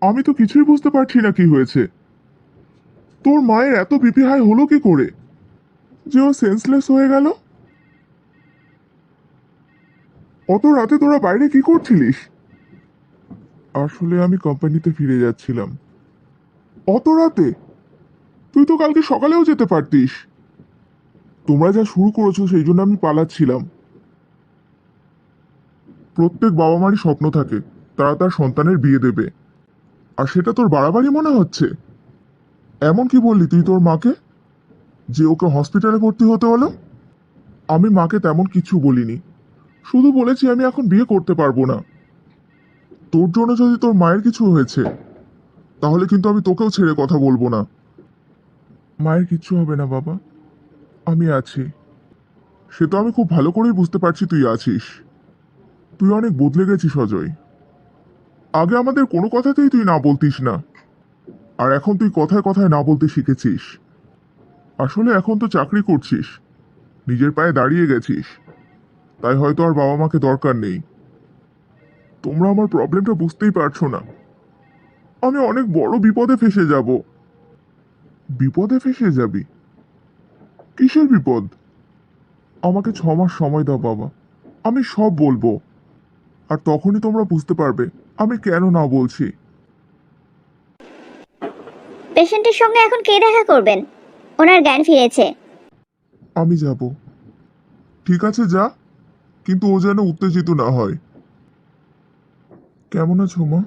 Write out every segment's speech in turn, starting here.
আমি তো কিছুই বুঝতে পারছি না কি হয়েছে। তোর মায়ের এত বিপি হাই হলো কি করে যে ও সেন্সলেস হয়ে গেল? অত রাতে তোরা বাইরে কি করছিলিস? আসলে আমি কোম্পানিতে ফিরে যাচ্ছিলাম। অত রাতে? তুই তো কালকে সকালেও যেতে পারতিস। তোমরা যা শুরু করেছো সেই জন্য আমি পালাচ্ছিলাম। প্রত্যেক বাবা মারই স্বপ্ন থাকে তারা তার সন্তানের বিয়ে দেবে, আর সেটা তোর বাড়াবাড়ি মনে হচ্ছে। এমন কি বললি তুই তোর মাকে যে ওকে হসপিটালে ভর্তি হতে হলো? আমি মাকে তেমন কিছু বলিনি, শুধু বলেছি আমি এখন বিয়ে করতে পারবো না। তোর জন্য যদি তোর মায়ের কিছু হয়েছে তাহলে কিন্তু আমি তোকেও ছেড়ে কথা বলবো না। মায়ের কিচ্ছু হবে না বাবা, আমি আছি। সে তো আমি খুব ভালো করেই বুঝতে পারছি তুই আছিস। তুই অনেক বদলে গেছিস অজয়। আগে আমাদের কোনো কথাতেই তুই না বলতিস না, আর এখন তুই কথায় কথায় না বলতে শিখেছিস। আসলে এখন তো চাকরি করছিস, নিজের পায়ে দাঁড়িয়ে গেছিস, তাই হয়তো আর বাবা মাকে দরকার নেই। তোমরা আমার প্রবলেমটা বুঝতেই পারছো না। আমি অনেক বড় বিপদে ফেসে যাব। বিপদে ফেসে যাবি? কিসের বিপদ? আমাকে 6 মাস সময় দাও বাবা, আমি সব বলবো, আর তখনই তোমরা বুঝতে পারবে আমি কেন না বলছি। পেশেন্টের সঙ্গে এখন কে দেখা করবেন? ওনার জ্ঞান ফিরেছে। আমি যাব। ঠিক আছে যা, কিন্তু ও যেন উত্তেজিত না হয়। কেমন আছো মা?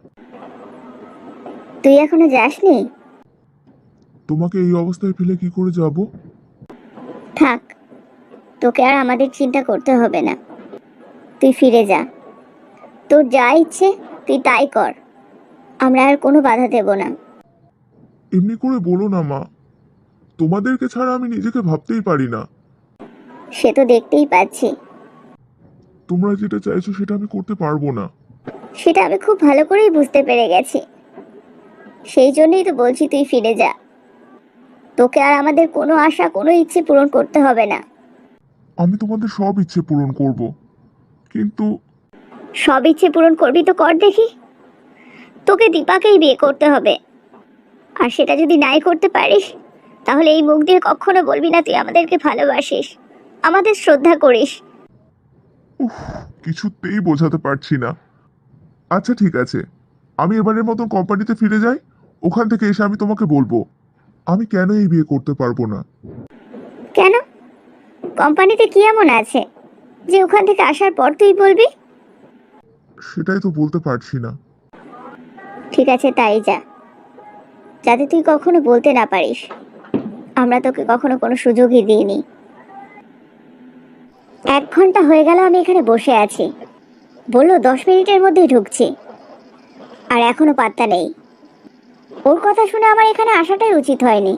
তুই এখনো যাসনি? তোমাকে এই অবস্থায় ফেলে কি করে যাব? থাক, তোকে আর আমাদের চিন্তা করতে হবে না। তুই ফিরে যা, তোর যা ইচ্ছে তুই তাই কর, আমরা আর কোনো বাধা দেব না। এমনি করে বলো না মা, তোমাদেরকে ছাড়া আমি নিজেকে ভাবতেই পারি না। সে তো দেখতেই পাচ্ছি। তোমরা যেটা চাইছো সেটা আমি করতে পারবো না। সেটা আমি খুব ভালো করেই বুঝতে পেরে গেছি, সেই জন্যই তো বলছি তুই ফিরে যা। তোকে আর আমাদের কোনো আশা কোনো ইচ্ছে পূরণ করতে হবে না। আমি তোমাদের সব ইচ্ছে পূরণ করব, কিন্তু সব ইচ্ছে পূরণ করবি তো কর দেখি। তোকে দীপাকেই বিয়ে করতে হবে, আর সেটা যদি নাই করতে পারিস তাহলে এই মুখ দিয়ে কখনো বলবি না তুই আমাদেরকে ভালোবাসিস, আমাদের শ্রদ্ধা করিস। কিছুতেই বোঝাতে পারছি না। আচ্ছা ঠিক আছে, আমি এবারের মতন কোম্পানিতে ফিরে যাই, ওখান থেকে এসে আমি তোমাকে বলবো আমি কেন এই বিয়ে করতে পারবো না। কেন? কোম্পানিতে কি এমন আছে যে ওখান থেকে আসার পর তুই বলবি? সেটাই তো বলতে পারছি না। ঠিক আছে তাই যা, যাতে তুই কখনো বলতে না পারিস আমরা তোকে কখনো কোনো সুযোগই দিইনি। 1 ঘন্টা হয়ে গেল আমি এখানে বসে আছি, বললো 10 মিনিটের মধ্যেই ঢুকছি, আর এখনো পাত্তা নেই। ওর কথা শুনে আমার এখানে আসাটাই উচিত হয়নি।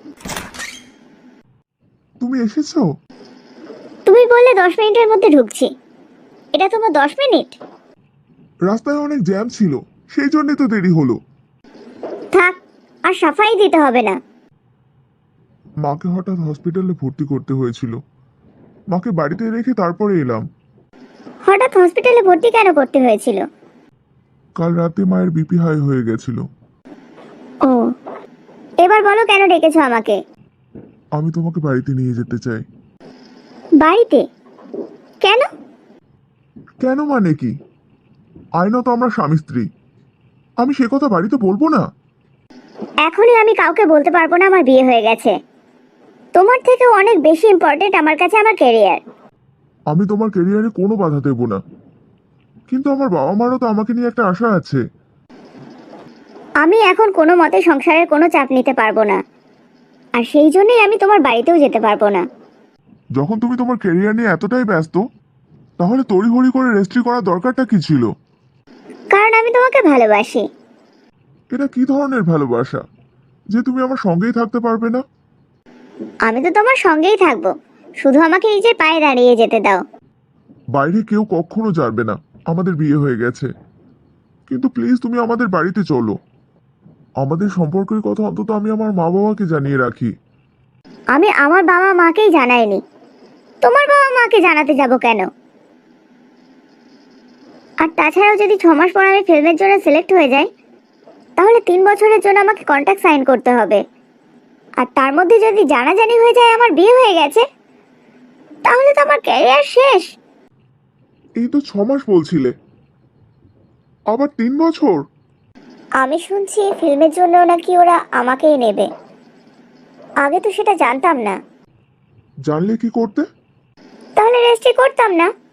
তুমি এসেছো? তুমি বললে 10 মিনিটের মধ্যে ঢুকছি, এটা তোমার 10 মিনিট? রাস্তায় অনেক জ্যাম ছিল, সেই জন্যই তো দেরি হলো। থাক, আর সাফাই দিতে হবে না। মাকে হঠাৎ হসপিটালে ভর্তি করতে হয়েছিল, মাকে বাড়িতে রেখে তারপরে এলাম। হঠাৎ হসপিটালে ভর্তি কেন করতে হয়েছিল? কাল রাতে মায়ের বিপি হাই হয়ে গেছিল। ও, এবার বলো কেন ডেকেছো আমাকে? আমি তোমাকে বাড়িতে নিয়ে যেতে চাই। বাড়িতে? কেন? কেন মানে কি? আইনত আমরা স্বামী স্ত্রী, আমি সে কথা বাড়িতে বলবো না? এখনই আমি কাউকে বলতে পারবো না আমার বিয়ে হয়ে গেছে। তোমার থেকেও অনেক বেশি ইম্পর্টেন্ট আমার কাছে আমার ক্যারিয়ার। আমি তোমার ক্যারিয়ারে কোনো বাধা দেব না, কিন্তু আমার বাবা মারও তো আমাকে নিয়ে একটা আশা আছে। আমি এখন কোনো মতে সংসারের কোনো চাপ নিতে পারবো না, আর সেই জন্যই আমি তোমার বাড়িতেও যেতে পারবো না। যখন তুমি তোমার ক্যারিয়ার নিয়ে এতটাই ব্যস্ত, তাহলে তড়িঘড়ি করে রেজিস্ট্রি করার দরকারটা কি ছিল? কারণ আমি তোমাকে ভালোবাসি। এটা কি ধরনের ভালোবাসা যে তুমি আমার সঙ্গেই থাকতে পারবে না? আমি তো তোমার সঙ্গেই থাকবো, শুধু আমাকে নিজের পায়ে দাঁড়িয়ে যেতে দাও। বাইরে কেউ কখনো জানবে না আমাদের বিয়ে হয়ে গেছে, কিন্তু প্লিজ তুমি আমাদের বাড়িতে চলো। আমাদের সম্পর্কের কথা অন্তত আমি আমার মা বাবাকে জানিয়ে রাখি। আমি আমার বাবা মাকেই জানাইনি, তোমার বাবা মাকে জানাতে যাব কেন? আর তাছাড়াও যদি 6 মাস পর আমি ফিল্মের জন্য সিলেক্ট হয়ে যাই তাহলে 3 বছরের জন্য আমাকে কন্ট্রাক্ট সাইন করতে হবে। আর তার মধ্যে যদি জানাজানি হয়ে যায় আমার বিয়ে হয়ে গেছে, তাহলে তো আমার ক্যারিয়ার শেষ। এই তো 6 মাস বলছিলে, আবার 3 বছর? আমি শুনছি ফিল্মের জন্য নাকি ওরা আমাকেই নেবে। আগে তো সেটা জানতাম না। জানলে কি করতে? তাহলে রেজিস্ট্রি করতাম না।